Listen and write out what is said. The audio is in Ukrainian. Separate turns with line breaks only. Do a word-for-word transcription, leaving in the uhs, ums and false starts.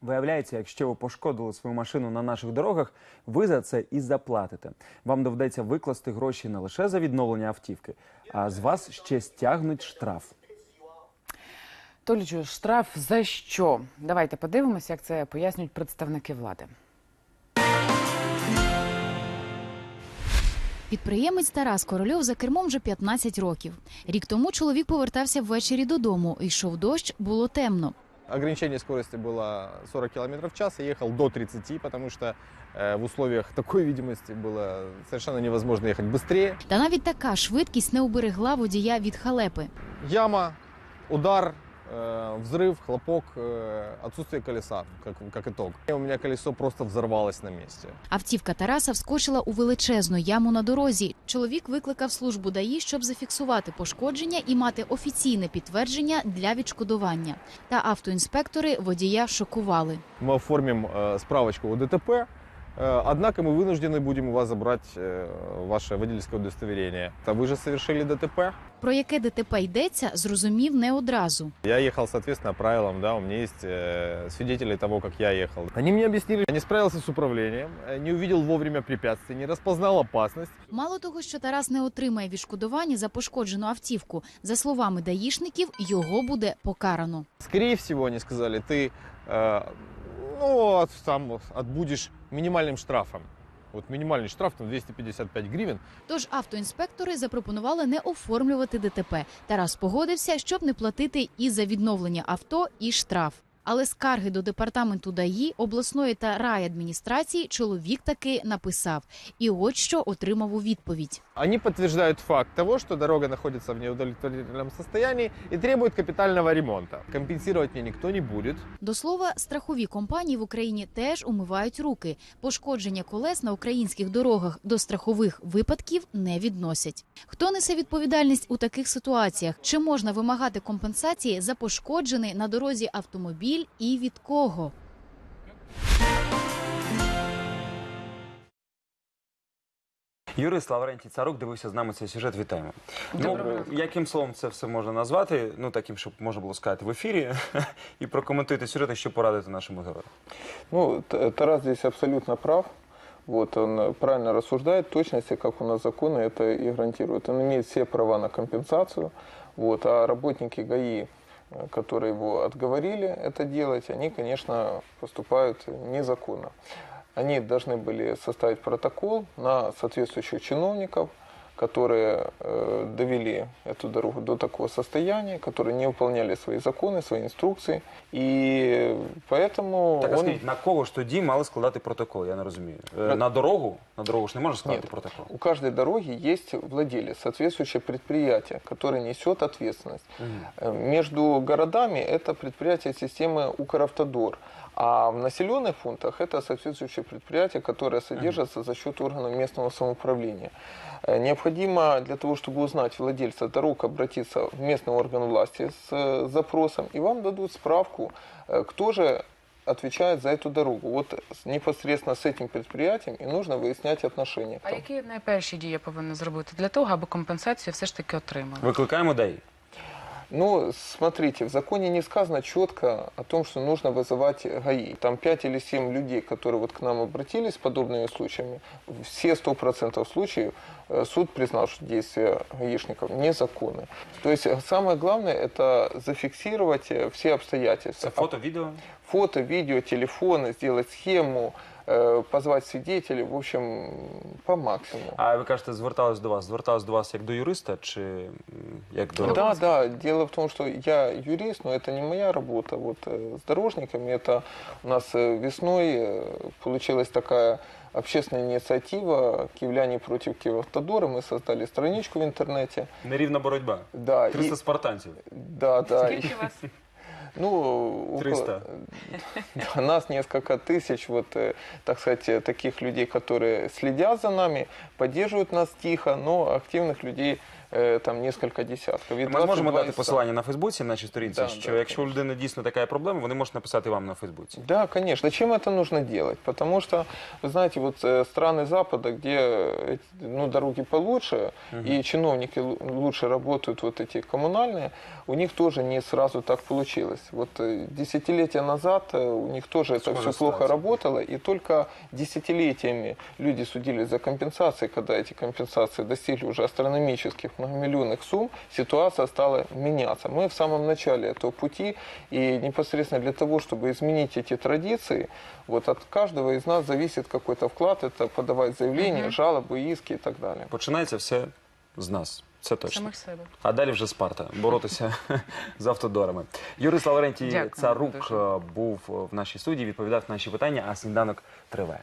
Виявляється, якщо ви пошкодили свою машину на наших дорогах, ви за це і заплатите. Вам доведеться викласти гроші не лише за відновлення автівки, а з вас ще стягнуть штраф.
Толічу, штраф за що? Давайте подивимося, як це пояснюють представники влади.
Підприємець Тарас Корольов за кермом вже п'ятнадцять років. Рік тому чоловік повертався ввечері додому. Йшов дощ, було темно.
Ограничение скорости было сорок километров в час, я ехал до тридцати, потому что э, в условиях такой видимости было совершенно невозможно ехать быстрее.
Та навіть така швидкість не уберегла водія від халепи.
Яма, удар, э, взрыв, хлопок, э, отсутствие колеса, как, как итог. И у меня колесо просто взорвалось на месте.
Автівка Тараса вскочила у величезну яму на дорозі. Чоловік викликав службу ДАІ, щоб зафіксувати пошкодження і мати офіційне підтвердження для відшкодування. Та автоінспектори водія шокували.
Мы оформим э, справочку о ДТП, э, однако мы вынуждены будем у вас забрать э, ваше водительское удостоверение. А вы же совершили ДТП?
Про яке ДТП йдеться, зрозумів не одразу.
Я ехал, соответственно, правилам, да, у меня есть э, свидетели того, как я ехал. Они мне объяснили, я не справился с управлением, не увидел вовремя препятствий, не распознал опасность.
Мало того, що Тарас не отримає відшкодування за пошкоджену автівку, за словами даїшників, його буде покарано.
Скорее всего, они сказали, ты э, ну, там отбудешь минимальным штрафом. От мінімальний штраф там двісті п'ятдесят п'ять гривень.
Тож автоінспектори запропонували не оформлювати ДТП. Тарас погодився, щоб не платити і за відновлення авто, і штраф. Але скарги до департаменту ДАІ, обласної та райадміністрації чоловік таки написав. І от що отримав у відповідь.
Они подтверждают факт того, что дорога находится в неудовлетворительном состоянии и требует капитального ремонта. Компенсировать мне никто не будет.
До слова, страхові компанії в Україні теж умивають руки. Пошкодження колес на українських дорогах до страхових випадків не відносять. Хто несе відповідальність у таких ситуаціях? Чи можна вимагати компенсації за пошкоджений на дорозі автомобіль і від кого?
Юрист Лаврентій Царук дивився з нами цей сюжет. Вітаємо. Ну, яким словом це все можна назвати? Ну, таким, щоб можна було сказати в ефірі. І прокоментуйте сюжет, що порадити нашому герою.
Ну, Тарас здесь абсолютно прав. Вот, он правильно рассуждает, точности, как у нас законы это и гарантируют. Он имеет все права на компенсацию, вот, а работники ГАИ, которые его отговорили это делать, они, конечно, поступают незаконно. Они должны были составить протокол на соответствующих чиновников, которые э, довели эту дорогу до такого состояния, которые не выполняли свои законы, свои инструкции. И поэтому
Так, а
он...
скажіть, на кого ж тоді мали складати протокол? Я не розумію. Е, На дорогу? На дорогу ж не можна складати
Нет,
протокол?
у каждой дороги есть владелец, соответствующее предприятие, которое несет ответственность.
Угу.
Между городами это предприятие системы Укравтодор. А в населенных пунктах это соответствующее предприятие, которое содержится за счет органов местного самоуправления. Необходимо для того, чтобы узнать владельца дорог, обратиться в местный орган власти с запросом, и вам дадут справку, кто же отвечает за эту дорогу. Вот непосредственно с этим предприятием и нужно выяснять отношения.
А які найперші дії повинні зробити для того, аби компенсацію все ж таки отримали?
Викликаємо ДАІ.
Ну, смотрите, в законе не сказано четко о том, что нужно вызывать ГАИ. Там пять или семь людей, которые вот к нам обратились с подобными случаями, все сто процентов случаев суд признал, что действия гаишников незаконны. То есть самое главное – это зафиксировать все обстоятельства.
Это фото, видео?
Фото, видео, телефоны, сделать схему, позвати свидетелів, в общем, по максимуму.
А ви кажете, звертались до вас? Звертались до вас як до юриста чи як до...
Да, да. Дело в том, что я юрист, но это не моя работа. Вот с дорожниками это у нас весной получилась такая общественная инициатива «Киевляне против Киевавтодора». Мы создали страничку в интернете.
Нерівна боротьба.
Да.
триста
и...
спартанців.
Да, да.
Скільки вас?
Ну,
триста.
Около... Нас несколько тысяч, вот, так сказать, таких людей, которые следят за нами, поддерживают нас тихо, но активных людей э, там несколько десятков. И
Ми зможемо
двадцать два
дати
из ста.
посилання на Фейсбуці, на нашій сторінці,
Да,
що
да,
якщо у людини дійсно така є проблема, вони можуть написати вам на Фейсбуці.
Да, конечно. Чем это нужно делать? Потому что, вы знаете, вот э, страны Запада, где э, ну, дороги получше, и чиновники лу- лучше работают, вот эти коммунальные, у них тоже не сразу так получилось. Вот э, десятилетия назад э, у них тоже это
Схожая
все плохо
ситуация.
работало, и только десятилетиями люди судились за компенсации, когда эти компенсации достигли уже астрономических многомиллионных сумм, ситуация стала меняться. Мы в самом начале этого пути, и непосредственно для того, чтобы изменить эти традиции, вот от каждого из нас зависит какой-то вклад, это подавать заявления, жалобы, иски и так далее.
Починається все з нас. Це точно.
Самих себе.
А далі вже Спарта. Боротися з автодорами. Юрист Лаврентій
Дякую
Царук
дуже.
е, був в нашій студії, відповідав на наші питання, а сніданок триває.